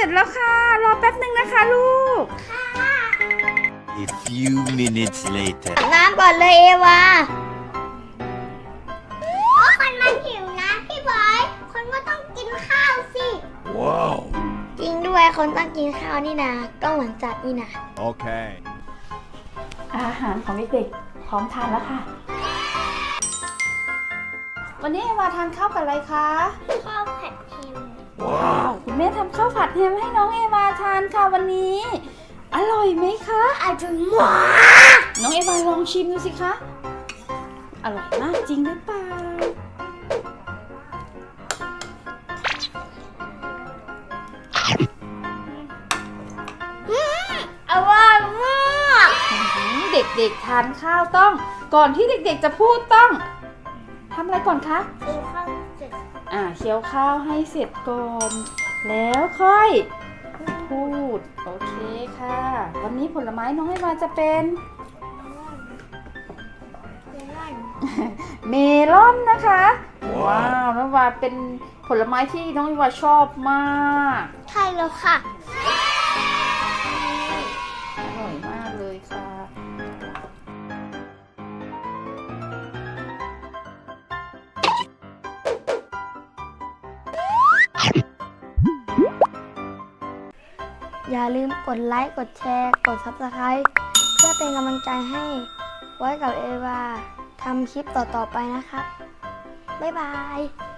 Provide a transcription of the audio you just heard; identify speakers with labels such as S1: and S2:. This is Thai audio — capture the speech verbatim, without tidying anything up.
S1: ร็จแล้วค่ะรอแป๊บหนึ่งนะคะลูก
S2: A few minutes later
S3: น้ำก่อนเลยเอวาก็คนมันหิวนะพี่บอยคนก็ต้องกินข้าวสิ
S2: ว้าว
S3: จริงด้วยคนต้องกินข้าวนี่นะก็เหมือนจัดนี่นะ
S2: โอเค
S1: อาหารของเด็กๆพร้อมทานแล้วค่ะ วันนี้เอวาทานข้าวกับอะไรคะ
S3: ข้าวผัดเค็ม
S1: ว้าวคุณแม่ทำข้าวผัดแฮมให้น้องเอวาทานค่ะวันนี้ อร่อยไหมคะ
S3: อร่อยมาก
S1: น้องเอวาลองชิมดูสิคะอร่อยมากจริงหรือเปล่า
S3: อร่อยมาก
S1: เด็กๆทานข้าวต้อง ก่อนที่เด็กๆจะพูดต้องทำอะไรก่อนคะ
S3: กินข้าวเสร็จ
S1: อ่าเคี้ยวข้าวให้เสร็จก่อน แล้วค่อยพูดโอเคค่ะ วันนี้ผลไม้น้องเอวาจะเป็น เมลอนนะคะ ว้าวน้องเอวาเป็นผลไม้ที่น้องเอวาชอบมาก
S3: ใช่แล้วค่ะ
S1: อร่อยมากเลยค่ะ
S3: อย่าลืมกดไลค์กดแชร์กด ซับสไครบ์ เพื่อเป็นกำลังใจให้ไว้กับเอวาทำคลิปต่อๆไปนะครับบ๊ายบาย